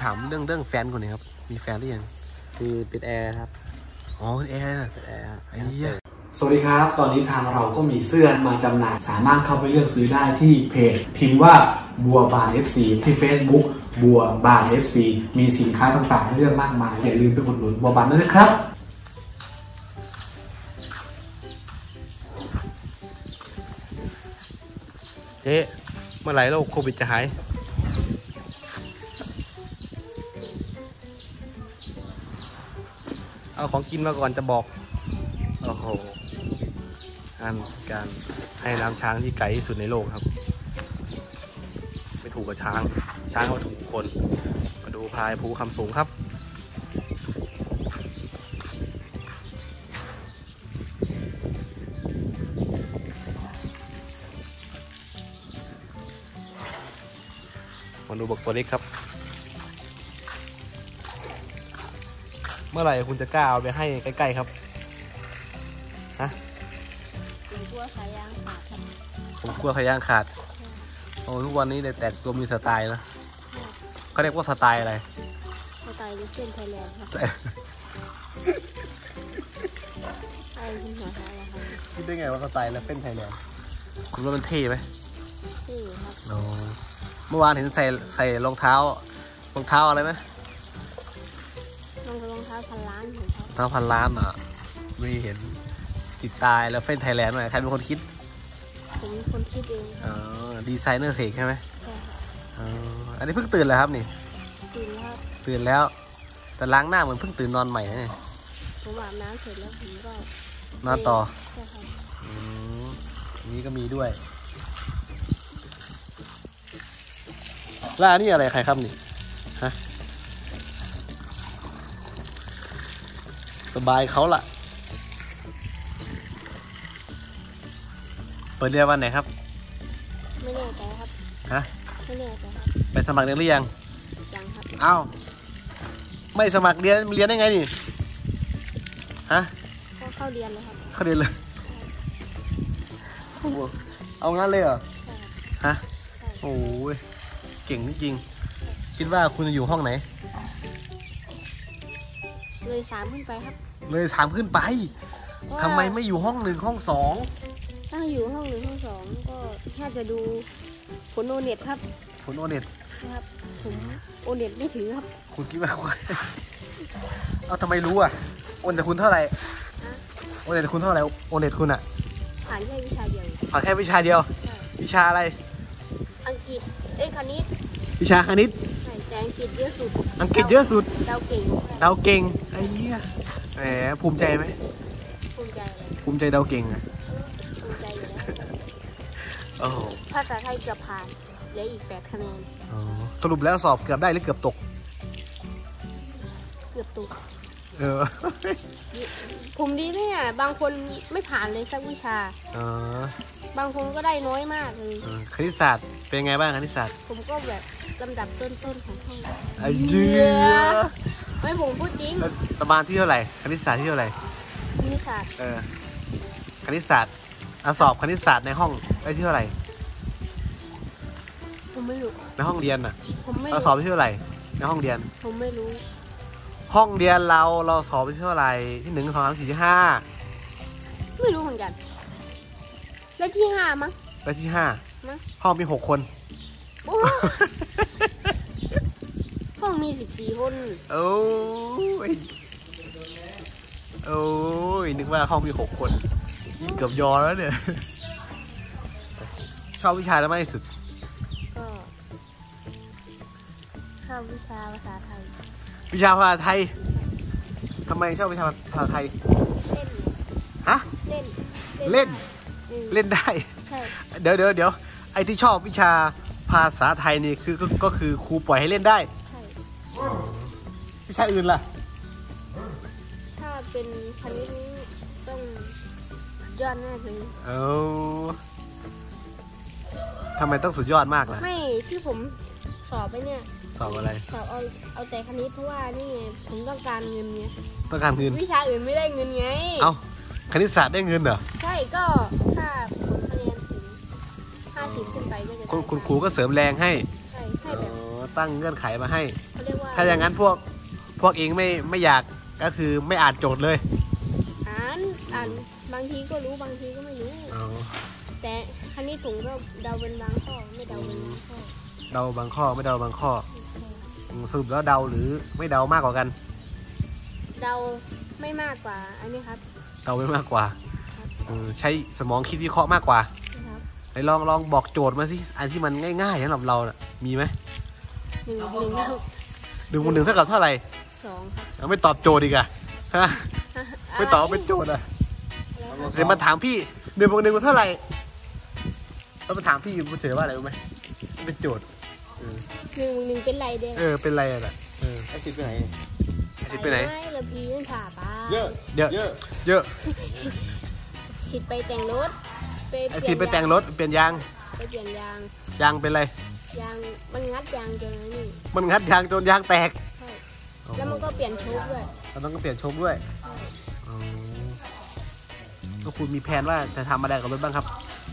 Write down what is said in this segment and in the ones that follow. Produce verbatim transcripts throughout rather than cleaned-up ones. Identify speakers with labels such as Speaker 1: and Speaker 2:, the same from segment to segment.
Speaker 1: ถามเรื่องเรื่องแฟนคนนี้ครับมีแฟนหรือยัง
Speaker 2: คือเป็นแอร์ครับ
Speaker 1: อ๋อเป็นแอร์นะ
Speaker 2: เป็นแอร์
Speaker 1: ไอ้เหี้ย
Speaker 3: สวัสดีครับตอนนี้ทางเราก็มีเสื้อมาจำหน่ายสามารถเข้าไปเลือกซื้อได้ที่เพจพิมพ์ว่าบัวบาน เอฟ ซี ที่ Facebook บัวบาน เอฟ ซี มีสินค้าต่างๆให้เลือกมากมายอย่าลืมไปอุดหนุนบัวบานด้วยนะครับ
Speaker 1: เจ๊เมื่อไหร่โรคโควิดจะหายเอาของกินมาก่อนจะบอกโอ้โหการการให้น้ำช้างที่ไกลที่สุดในโลกครับไม่ถูกกับช้างช้างเขาถูกคนมาดูพายภูคำสูงครับมาดูบักตัวเล็กครับเมื่อไหร่คุณจะกล้าเอาไปให้ใกล้ๆครับฮะ
Speaker 4: ผมกลัวขายางขาดครับ
Speaker 1: ผมกลัวขายางขาดโอ้ทุกวันนี้เลยแต่งตัวมีสไตล์นะเขาเรียกว่าสไตล์อะไร
Speaker 4: สไตล์เส้นไทยแลนด์ครับไอ้คุณหัวหาอะไรครับ
Speaker 1: คิดได้ไงว่าสไตล์แล้วเป็นไทยแลนด์คุณว่ามันเท่ไหม
Speaker 4: เท่ครับ
Speaker 1: โอ้เมื่อวานเห็นใส่ใส่รองเท้ารองเท้าอะไรไหม
Speaker 4: รองรองเท้าพันล้านของเขา
Speaker 1: เท้าพันล้านอ่ะไม่เห็นติดตายแล้วเป็นไทยแลนด์หน่อยใครเป็นคนคิด
Speaker 4: ผมเป็นคนคิดเอง
Speaker 1: อ๋อดีไซเนอร์เสกใช่ไหม
Speaker 4: ใช่
Speaker 1: อ๋ออันนี้เพิ่งตื่นแล้วครับนี่
Speaker 4: ตื่นแล้ว
Speaker 1: ตื่นแล้วแต่ล้างหน้าเหมือนเพิ่งตื่นนอนใหม่นะเนี่ย
Speaker 4: ผมอาบน้ำเสร็จแล้วผมก็
Speaker 1: นอนต่อ
Speaker 4: ใช่ครับ
Speaker 1: อืมนี้ก็มีด้วยล่านี่อะไรใครครับนี่ฮะสบายเขาละเปิดเรียนวันไหนครับ
Speaker 4: ไม่แน่ใจครับ
Speaker 1: ฮะ
Speaker 4: ไม่แน่ใจครับ
Speaker 1: ไปสมัครเรียนหรือยัง
Speaker 4: ยังครับ
Speaker 1: อ้าวไม่สมัครเรียนเรียนได้ไงนี่ฮะ
Speaker 4: ก็เข้าเรียนเลยครับ
Speaker 1: เข้าเรียนเลยเอางั้นเลยเหรอฮะโอ้ยเก่งจริงๆคิดว่าคุณจะอยู่ห้องไหน
Speaker 4: เลยสามขึ้นไปครับ
Speaker 1: เลยสามขึ้นไปทำไมไม่อยู่ห้องหนึ่งห้องสอง
Speaker 4: ถ้าอยู่ห้องหนึ่งห้องสองก็น่าจะดูผลโอเน็ตครับ
Speaker 1: ผลโอเน็ต
Speaker 4: ครับผมโอเน็ตไม่ถือครับ
Speaker 1: คุณคิดว่าเอาทำไมรู้อ่ะโอเน็ตคุณเท่าไหร่โอเน็ตคุณเท่าไหร่โอเน็ตคุณอ่ะ
Speaker 4: ผ่านแค่วิชาเดียว
Speaker 1: ผ่านแค่วิชาเดียววิชาอะไร
Speaker 4: อังกฤษเอ้ยคณิต
Speaker 1: วิชาคณิต
Speaker 4: ใช่แต่อังกฤษเยอะสุด
Speaker 1: อังกฤษเยอะสุด
Speaker 4: เดาเก่ง
Speaker 1: เดาเก่งไอ้เหี้ยแหมภูมิใจไหม
Speaker 4: ภูมิใจ
Speaker 1: ภูมิใจเดาเก่งอ่ะ
Speaker 4: ภูมิใจอยู่แล้ว
Speaker 1: โอ้
Speaker 4: ภาษาไทยเกือบผ่านเหลืออีกแปดคะแนน
Speaker 1: สรุปแล้วสอบเกือบได้หรือเกือบตก
Speaker 4: เกือบตก
Speaker 1: เออ
Speaker 4: ผมดีเนี่ยบางคนไม่ผ่านเลยสักวิชาบางคนก็ได้น้อยมากเลย
Speaker 1: คณิตศาสตร์เป็นไงบ้างคณิตศาสตร์
Speaker 4: ผมก็แบบลำดับต้นๆของห้อง
Speaker 1: ไอ้เจี๊ย
Speaker 4: ไม่ผมพูดจริง
Speaker 1: ประมาณที่เท่าไหร่คณิตศาสตร์ที่เท่าไหร่
Speaker 4: คณิตศาสตร์
Speaker 1: เออคณิตศาสตร์สอบคณิตศาสตร์ในห้องได้ที่เท่าไหร่
Speaker 4: ผมไม่รู้
Speaker 1: ในห้องเรียนอ่ะ
Speaker 4: ผมไม่
Speaker 1: เราสอบที่เท่าไหร่ในห้องเรียน
Speaker 4: ผมไม่รู้
Speaker 1: ห้องเรียนเราเราสอบที่เท่าไหร่ที่หนึ่งสองสามสี่ที่ห้า
Speaker 4: ไม่รู้เหมือนกันได้ที่ห้ามั้ง
Speaker 1: ได้ที่ห้าห้องมีหกคน
Speaker 4: ห้องมีสิบสี่คน
Speaker 1: โอ้ยโอ้ยนึกว่าห้องมีหกคนยิ่งเกือบยอแล้วเนี่ยชอบวิชาอะไรมากที่สุด
Speaker 4: ก็ชอบวิชาภาษาไทย
Speaker 1: วิชาภาษาไทยทำไมชอบวิชาภาษาไทย
Speaker 4: เล่น
Speaker 1: ฮะ
Speaker 4: เล่น
Speaker 1: เล่นเล่นได้
Speaker 4: ใช่
Speaker 1: เดี๋ยวเดี๋ยวเดี๋ยวไอ้ที่ชอบวิชาภาษาไทยนี่คือก็คือครูปล่อยให้เล่นได้
Speaker 4: ใช่
Speaker 1: วิชาอื่นล่ะ
Speaker 4: ถ้าเป็นคณิตต้องยอดมากเลย
Speaker 1: เอ้าทำไมต้องสุดยอดมากล่ะ
Speaker 4: ไม่ที่ผมสอบไปเนี่ย
Speaker 1: สอบอะไร
Speaker 4: สอบเอาเอาแต่คณิตเพราะว่านี่ไงผมต้องการเงินไง
Speaker 1: ต้องการเงิน
Speaker 4: วิชาอื่นไม่ได้เงินไง
Speaker 1: เอ้าคณิตศาสตร์ได้เงินเหรอ
Speaker 4: ใช่ก็ถ้าคะแนนถึงห้าสิบขึ้นไปก็จะ
Speaker 1: คุณครูก็เสริมแรงให้
Speaker 4: ใช่ให้แบบ
Speaker 1: ตั้งเงื่อนไขมาให้
Speaker 4: เขาเรียกว่า
Speaker 1: ถ้าอย่างนั้นพวกพวกเองไม่ไม่อยากก็คือไม่อ่านโจทย์เลย
Speaker 4: อ่านอ่านบางทีก็รู้บางทีก็ไม่รู้แต่คณิตผมก็เดาเป็นบางข้อไม่เดาเป็นบางข้อ
Speaker 1: เดาบางข้อไม่เดาบางข้อสรุปแล้วเดาหรือไม่เดามากกว่ากัน
Speaker 4: เดาไม่มากกว่าอันนี้ครับ
Speaker 1: เดาไม่มากกว่าใช้สมองคิดวิเคราะห์มากกว่าไหนลองลองบอกโจทย์มาสิอันที่มันง่ายๆสำหรับเราน่ะมีไหม
Speaker 4: หนึ่งหนึ่ง
Speaker 1: หนึ่งบวกหนึ่งเท่ากับเท่าไหร่
Speaker 4: สองครับ
Speaker 1: ไม่ตอบโจทย์อีกอะฮะไม่ตอบเป็นโจทย์อะเดี๋ยวมาถามพี่หนึ่งบวกหนึ่งเท่าไหร่ต้องมาถามพี่คุณเฉยว่าอะไรรู้ไหมเป็นโจทย์
Speaker 4: หนึ่งหนึ่งเป็นไรเด้
Speaker 1: เออเป็นไรอ่ะเออ
Speaker 2: ไอซิดไปไหน
Speaker 1: ไอซิดไปไหน
Speaker 4: ไม่เราพีนผ่าปลา
Speaker 1: เยอะเยอะเยอะ
Speaker 4: ซิดไปแต่งรถ
Speaker 1: ไอซิดไปแต่งรถเปลี่ยนยาง
Speaker 4: ไปเปลี่ยนยาง
Speaker 1: ยางเป็นไร
Speaker 4: ยางมันงัดยางจนนี่
Speaker 1: มันงัดยางจนยางแตก
Speaker 4: ใช่แล้วมันก็เปลี่ยนโชคด้วย
Speaker 1: แล้วมันก็เปลี่ยนโชคด้วยก็คุณมีแผนว่าจะทำอะไรกับรถบ้างครับ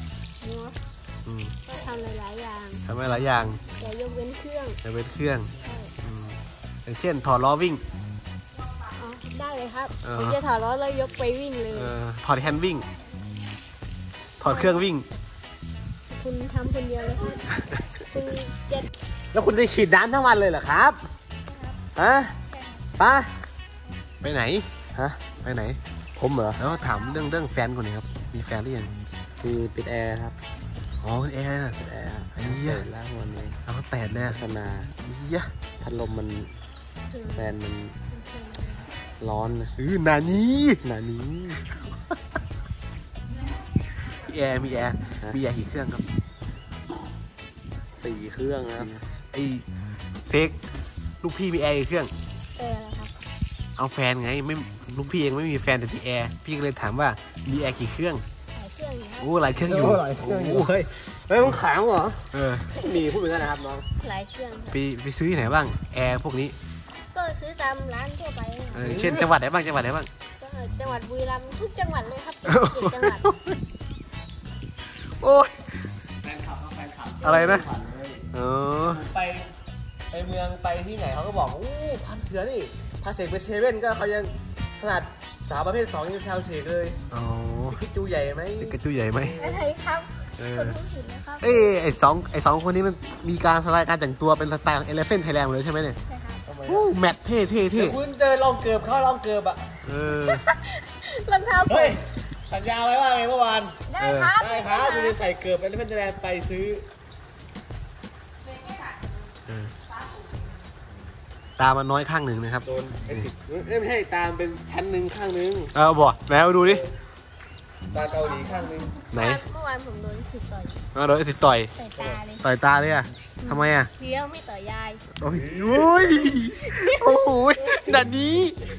Speaker 4: ก็ทำหลายๆอย่าง
Speaker 1: ทำหลายอย่าง
Speaker 4: แต่ยกเว้นเครื่อง
Speaker 1: ยกเว้นเครื่องอย่างเช่นถอดล้อวิ่ง
Speaker 4: ได้เลยครับผมจะถอดล้อแล้วยกไปวิ่งเลย
Speaker 1: ถอดแฮนด์วิ่งถอดเครื่องวิ่ง
Speaker 4: คุณทำคนเดียวเลยครับคุณเจ็ด
Speaker 1: แล้วคุณจะฉีดน้ำทั้งวันเลยเหรอครับฮะป้าไปไหนฮะไปไหน
Speaker 2: ผมเหรอ
Speaker 1: แล้วถามเรื่องเรื่องแฟนคนนี้ครับมีแฟนหรือยัง
Speaker 2: คือปิดแอร์ครับ
Speaker 1: อ๋อเป็นแอร์นะ
Speaker 2: ปิดแอร์
Speaker 1: ไอ้เหี้ย
Speaker 2: แล้ววันนี้
Speaker 1: เอาแปดเลย
Speaker 2: ขนาด
Speaker 1: เหี้ย
Speaker 2: พัดลมมันแฟนมันร้อนนะ
Speaker 1: อือนานี้
Speaker 2: นานี้
Speaker 1: มีแอร์มีแอร์มีแอร์กี่เครื่องครับ
Speaker 2: สี่เครื่องครับ
Speaker 1: ไอเซกลูกพี่มีแอร์กี่เครื่อง
Speaker 4: เออครับ
Speaker 1: เอาแฟนไงไม่ลูกพี่เองไม่มีแฟนแต่ที่แอร์พี่ก็เลยถามว่ามีแอร์กี่เครื่องโอ้หลายเครื่องอยู่
Speaker 2: หลายเครื่องอยู่เฮ้ยเฮ้ยต้องขางเหรอ
Speaker 1: เออ
Speaker 2: มีพูดเหมือนกันนะครับน้อง
Speaker 4: หลายเครื่อง
Speaker 1: ไปไปซื้อที่ไหนบ้างแอร์พวกนี้
Speaker 4: ก็ซื้อตามร้านทั่วไป
Speaker 1: เช่นจังหวัดไหนบ้างจังหวัดไหนบ้าง
Speaker 4: จังหวัดบุรีรัมย์ทุกจังหวัดเลยครับจังหวัด
Speaker 1: โอ้ยแฟนคลับแฟนคลับอะไรนะเออ
Speaker 2: ไปไปเมืองไปที่ไหนเขาก็บอกโอ้พันเถื่อนี่พาเสกไปเซเว่นก็เขายังขนาดสาวประเภทสองยังชาวเสกเลย
Speaker 1: อ๋อ
Speaker 2: พิจูใหญ่ไหม
Speaker 1: พิจูใหญ่ไหม
Speaker 4: ใช่ครับคนรู้สึกนะครับ
Speaker 1: เอ้ไอสองไอสองคนนี้มันมีการสไลด์การแต่งตัวเป็นสไตล์เอเลฟเฟนไทยแลนด์เลยใช่ไหมเนี่ย
Speaker 4: ใช่ครับ
Speaker 1: โอ้แมทเท่เท่เท่
Speaker 2: คุณเจอลองเกือบเขาลองเกือบอ่ะ
Speaker 1: เออ
Speaker 4: รองเท้า
Speaker 2: เฮ้ยสัญญาไว้ว่าไงเมื่อวาน
Speaker 4: ได้ครับ
Speaker 2: ได้ครับคุณจะใส่เกือบเอเลฟเฟนไทยแลนด์ไปซื้อ
Speaker 1: ตามันน้อยข้างหนึ่งนะครับ
Speaker 2: โดนไอ้สิบไม่ใช่ตามเป็นชั้นหนึ่งข้างหนึ่ง
Speaker 1: เอาบ่แล้วดูดิ
Speaker 2: ตาเกาหลีข้างหนึ่ง
Speaker 1: ไหน
Speaker 4: เมื่อวานผมโดนสิบต่อย
Speaker 1: มาโดนสิบต่อย
Speaker 4: ต่อยตาเลย
Speaker 1: ต่อยตาเลยอ่ะทำไมอ่ะ
Speaker 4: เดี๋ยวไม่ต่อยยาย
Speaker 1: โอ้ยโอ้โหดันนี้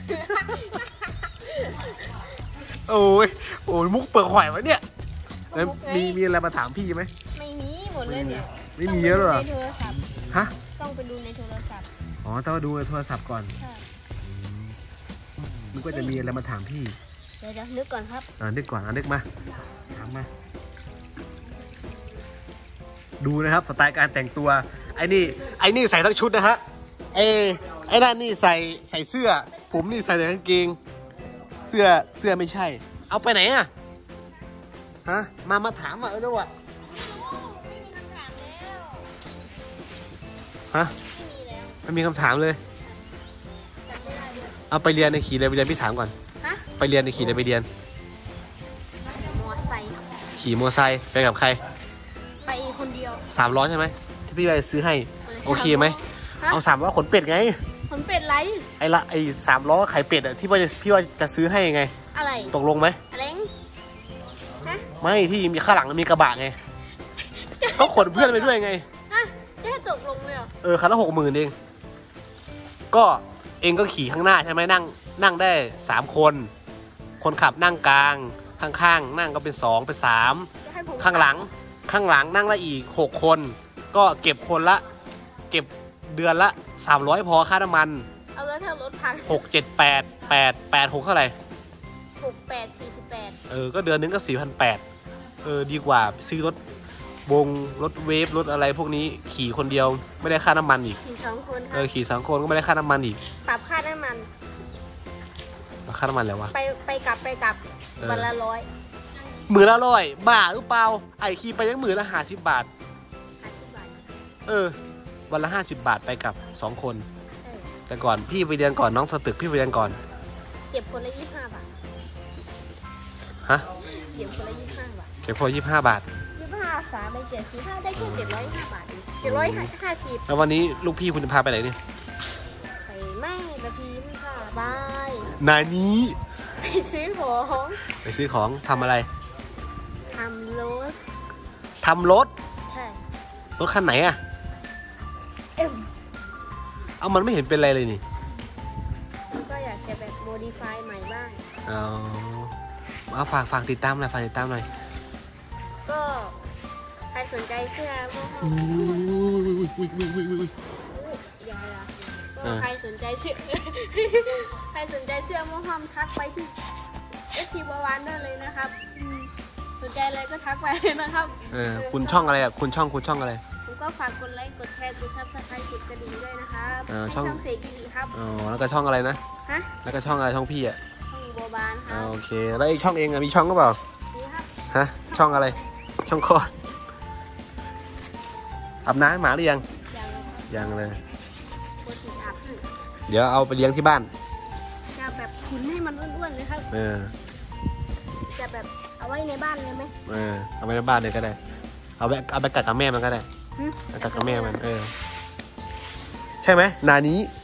Speaker 1: โอ้ยโอ้ยมุกเปิดหอยวะเนี่ยแล้วมีมีอะไรมาถามพี่ไหม
Speaker 4: ไม่มีหมดเลยเนี่ย
Speaker 1: ไม่มีเยอะหรอฮะ
Speaker 4: ต้องไปดูในโทรศัพท์
Speaker 1: อ๋อต้องมาดูในโทรศัพท์ก่อนนึกว่าจะมีอะไรมาถามพี่
Speaker 4: เดี๋ยวนึกก่อนครับ
Speaker 1: อ่านึกก่อนอ่านึกมาถามมาดูนะครับสไตล์การแต่งตัวไอ้นี่ไอ้นี่ใส่ทั้งชุดนะฮะเอไอ้นั่นนี่ใส่ใส่เสื้อผมนี่ใส่แต่กางเกงเสื้อเสื้อไม่ใช่เอาไปไหนอะฮะมามาถามอ่ะเออแล้ววะฮะไม่มีคำถามเลยเอาไปเรียนในขี่เลยไปเรียนพี่ถามก่อนไปเรียนในขี่เลยไปเรียน
Speaker 4: มอไซค์
Speaker 1: ขี่มอไซค์ไปกับใคร
Speaker 4: ไปคนเดียว
Speaker 1: สามล้อใช่ไหมที่พี่ไปซื้อให้โอเคไหมเอาสามล้อขนเป็ดไง
Speaker 4: ขนเป็ดไร
Speaker 1: ไอ้ละไอ้สามล้อไข่เป็ดอ่ะที่ว่าจะพี่ว่าจะซื้อให้ไง
Speaker 4: อะไร
Speaker 1: ตกลงไหม
Speaker 4: อะไร
Speaker 1: ไม่ที่มีข้างหลังมีกระบะไงก็ขนเพื่อนไปด้วยไง
Speaker 4: จะให้ตกลงเลยเหรอ
Speaker 1: เออคันละหกหมื่นเองก็เองก็ขี่ข้างหน้าใช่ไหมนั่งนั่งได้สามคนคนขับนั่งกลางข้างๆนั่งก็เป็นสองเป็นสามข้างหลังข้างหลังนั่งละอีกหกคนก็เก็บคนละเก็บเดือนละสามร้อยพอค่าน้ำมัน
Speaker 4: เอาแล้วถ้ารถพัง
Speaker 1: หกเจ็ดแปดแปดแปดหกเท่าไหร่
Speaker 4: หกแปดสี่สิบแปด
Speaker 1: เออก็เดือนนึงก็สี่พันแปดเออดีกว่าซื้อรถวงรถเวฟรถอะไรพวกนี้ขี่คนเดียวไม่ได้ค่าน้ำมันอีก
Speaker 4: ขี่สองคนค
Speaker 1: เอ
Speaker 4: รับ
Speaker 1: อขี่สองคนก็ไม่ได้ค่าน้ำมันอีก
Speaker 4: ปรับค่าน้ำมัน
Speaker 1: ค่าน้ำมันแล้ววะ
Speaker 4: ไปไปกลับไปกลับ
Speaker 1: เออ
Speaker 4: วันละร้อย
Speaker 1: หมื่นละร้อยบ้าหรือเปล่าไอขี่ไปยังหมื่นละห้าสิบบาท
Speaker 4: ห้าสิบบาท
Speaker 1: เออ วันละห้าสิบบาทไปกับสองคน
Speaker 4: เออ
Speaker 1: แต่ก่อนพี่ไปเรียนก่อนน้องสตึกพี่ไปเรียนก่อน
Speaker 4: เก็บคนละยี่สิบห้าบาท
Speaker 1: ฮะ
Speaker 4: เก็บคนละยี่สิบห้าบาท
Speaker 1: เก็บพอยี่สิบห้าบาท
Speaker 4: ยี่สิบห้าสามไปเจ็ดสิบห้าได้แค่เจ็ดร้อยห้าบาทเองเจ็ดร้อยห้าสิบ
Speaker 1: แล้ววันนี้ลูกพี่คุณจะพาไปไหนเนี่ย
Speaker 4: ไปไม่ละพีมค่ะบาย
Speaker 1: นานี้
Speaker 4: ไปซื้อของ
Speaker 1: ไปซื้อของทำอะไร
Speaker 4: ทำโรส
Speaker 1: ทำรถ
Speaker 4: ใช่
Speaker 1: รถคันไหนอะ
Speaker 4: เอ็ม
Speaker 1: เอามันไม่เห็นเป็นอะไรเลยนี่
Speaker 4: แล้วก็อยากจะแบบโมดิฟายใหม่บ้าง
Speaker 1: เอาเอาฝากฝากติดตามหน่อยฝากติดตามหน่อย
Speaker 4: ก็ใครสนใจเสื้อโมฮัม
Speaker 1: อุ้ยอุ้ยอุ้ยอุ้ยอุ้ย
Speaker 4: อุ๊ยอย่าอย่า
Speaker 1: เอ
Speaker 4: ก็
Speaker 1: อ
Speaker 4: ใครสนใจเสื้อ ใครสนใจเสื้อโมฮัมทักไปที่เอชทีบาวานได้เลยนะครับอืมสนใจอะไรก็ทักไปเลยนะครับ
Speaker 1: เออคุณช่องอะไรอะคุณช่องคุณช่องอะไร
Speaker 4: ผมก็ฝากกดไลค์กดแชร์กดซับสไครต์กดกระดิ่งด้วยนะครับ
Speaker 1: เออ
Speaker 4: ให้
Speaker 1: ช่อง
Speaker 4: ช่องเสกิริครับ
Speaker 1: อ๋อแล้วก็ช่องอะไรนะ
Speaker 4: ฮะ
Speaker 1: แล้วก็ช่องอะไรช่องพี่อะ
Speaker 4: ช่องบัวบานค
Speaker 1: อ่า
Speaker 4: รับ
Speaker 1: โอเคแล้วไอ้ช่องเองอะมีช่องก็เปล่า
Speaker 4: นี่ครับ
Speaker 1: ฮะช่องอะไร ช่องคลอดอาบน้ำให้หมาหรือยัง
Speaker 4: อย่างไรครับ
Speaker 1: ยังเลย
Speaker 4: โคตรอาบให้
Speaker 1: เดี๋ยวเอาไปเลี้ยงที่บ้าน
Speaker 4: จะแบบขุนให้มันอ้วนๆเลยครับ
Speaker 1: เออ
Speaker 4: จะแบบเอาไว้ในบ้านเลยไหม
Speaker 1: เออเอาไปในบ้านเลยก็ได้ เอาไปเอาไปกัดกับแม่มันก็ได้
Speaker 4: หึ
Speaker 1: กัดกับแม่มัน เออ ใช่ไหมนานี้
Speaker 4: ใ